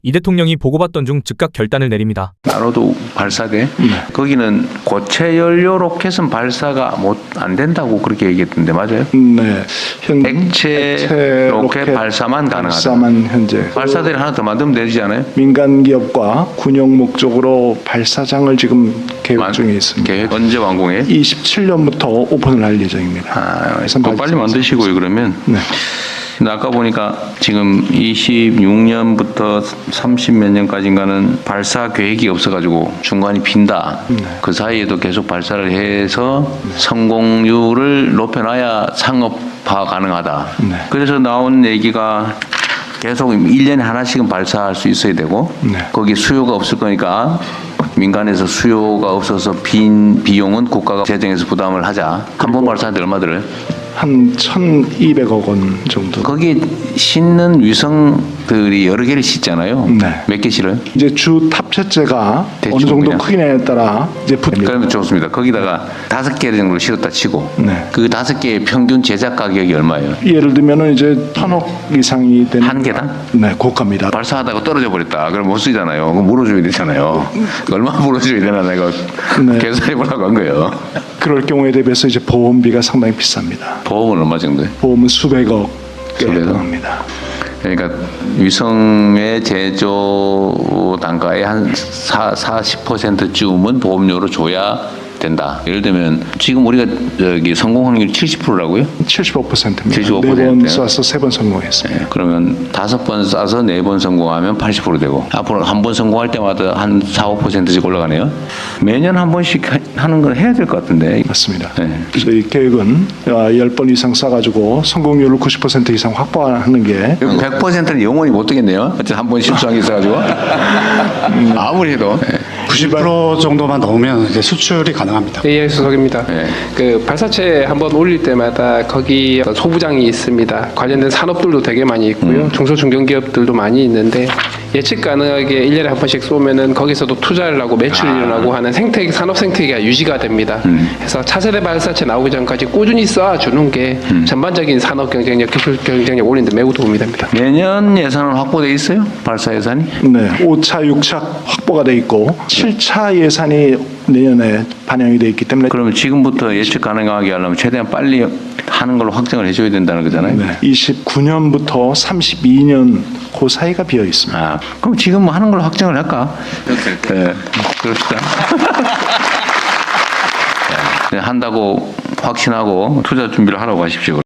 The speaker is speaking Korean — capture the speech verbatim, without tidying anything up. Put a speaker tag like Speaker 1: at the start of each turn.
Speaker 1: 이 대통령이 보고받던 중 즉각 결단을 내립니다.
Speaker 2: 나로도 발사대
Speaker 3: 네.
Speaker 2: 거기는 고체 연료 로켓은 발사가 못 안 된다고 그렇게 얘기했던데 맞아요?
Speaker 3: 네. 현
Speaker 2: 액체,
Speaker 3: 액체
Speaker 2: 로켓,
Speaker 3: 로켓
Speaker 2: 발사만 가능하다.
Speaker 3: 발사만 현재
Speaker 2: 발사대를 하나 더 만들면 되지 않아요?
Speaker 3: 민간 기업과 군용 목적으로 발사장을 지금 계획
Speaker 2: 만-
Speaker 3: 중에 있습니다.
Speaker 2: 계획 언제 완공해?
Speaker 3: 이십칠 년부터 오픈을 할 예정입니다.
Speaker 2: 아,
Speaker 3: 그래서
Speaker 2: 그거 빨리 만드시고요 그러면.
Speaker 3: 네.
Speaker 2: 근데 아까 보니까 지금 이십육 년부터 삼십 몇 년까지인가는 발사 계획이 없어가지고 중간이 빈다.
Speaker 3: 네.
Speaker 2: 그 사이에도 계속 발사를 해서 성공률을 높여놔야 상업화 가능하다.
Speaker 3: 네.
Speaker 2: 그래서 나온 얘기가 계속 일 년에 하나씩은 발사할 수 있어야 되고
Speaker 3: 네.
Speaker 2: 거기 수요가 없을 거니까 민간에서 수요가 없어서 빈 비용은 국가가 재정에서 부담을 하자. 한 번 발사하는데 얼마 들어요?
Speaker 3: 한 천이백억 원 정도.
Speaker 2: 거기 싣는 위성들이 여러 개를 싣잖아요.
Speaker 3: 네.
Speaker 2: 몇 개 실어요?
Speaker 3: 이제 주 탑재체가
Speaker 2: 대충
Speaker 3: 어느 정도
Speaker 2: 그냥.
Speaker 3: 크기냐에 따라 이제 붙습니다.
Speaker 2: 그러면 좋습니다. 거기다가 다섯 개 정도 실었다 치고
Speaker 3: 네.
Speaker 2: 그 다섯 개의 평균 제작 가격이 얼마예요?
Speaker 3: 예를 들면은 이제 천억 이상이 되는
Speaker 2: 한 개당?
Speaker 3: 네, 고가입니다.
Speaker 2: 발사하다가 떨어져 버렸다. 그럼 못 쓰잖아요. 그럼 물어줘야 되잖아요. 얼마 물어줘야 되나 내가
Speaker 3: 네.
Speaker 2: 계산해 보려고 한 거예요.
Speaker 3: 그럴 경우에 대비해서 이제 보험비가 상당히 비쌉니다.
Speaker 2: 보험은 얼마 정도예요?
Speaker 3: 보험은 수백억
Speaker 2: 수백억?
Speaker 3: 해당합니다.
Speaker 2: 그러니까 위성의 제조 단가의 한 사, 사십 퍼센트쯤은 보험료로 줘야 된다. 예를 들면 지금 우리가 저기 성공 확률이 칠십 퍼센트라고요?
Speaker 3: 칠십오 퍼센트입니다.
Speaker 2: 칠십오
Speaker 3: 네 번
Speaker 2: 퍼센트예요?
Speaker 3: 쏴서 세 번 성공했습니다.
Speaker 2: 네, 그러면 다섯 번 쏴서 네 번 성공하면 팔십 퍼센트 되고 앞으로 한 번 성공할 때마다 한 사, 오 퍼센트씩 올라가네요. 매년 한 번씩 하- 하는 걸 해야 될 것 같은데.
Speaker 3: 맞습니다.
Speaker 2: 네.
Speaker 3: 저희 계획은 열 번 이상 쏴가지고 성공률을 구십 퍼센트 이상 확보하는 게
Speaker 2: 백 퍼센트는 영원히 못 되겠네요. 어쨌든 한 번 실수한 게 있어가지고 아무리 해도. 네.
Speaker 4: 구십 퍼센트 정도만 넣으면 이제 수출이 가능합니다.
Speaker 5: 에이아이 수석입니다.
Speaker 2: 네.
Speaker 5: 그 발사체 한번 올릴 때마다 거기 어떤 소부장이 있습니다. 관련된 산업들도 되게 많이 있고요. 중소 중견기업들도 많이 있는데 예측 가능하게 일 년에 한 번씩 쏘면은 거기서도 투자를 하고 매출이 일어나고 하는 생태계 산업 생태계가 유지가 됩니다. 그래서 차세대 발사체 나오기 전까지 꾸준히 쏴주는 게 전반적인 산업 경쟁력, 기술 경쟁력 올리는 데 매우 도움이 됩니다.
Speaker 2: 내년 예산은 확보돼 있어요? 발사 예산이?
Speaker 3: 네, 오 차, 육 차 확보가 돼 있고 칠 차 예산이 내년에 반영이 돼 있기 때문에
Speaker 2: 그러면 지금부터 예측 가능하게 하려면 최대한 빨리 하는 걸로 확정을 해줘야 된다는 거잖아요.
Speaker 3: 네, 이십구 년부터 삼십이 년 그 사이가 비어 있습니다.
Speaker 2: 아, 그럼 지금 뭐 하는 걸로 확정을 할까? 네, 그럽시다. 네, 한다고 확신하고 투자 준비를 하라고 하십시오.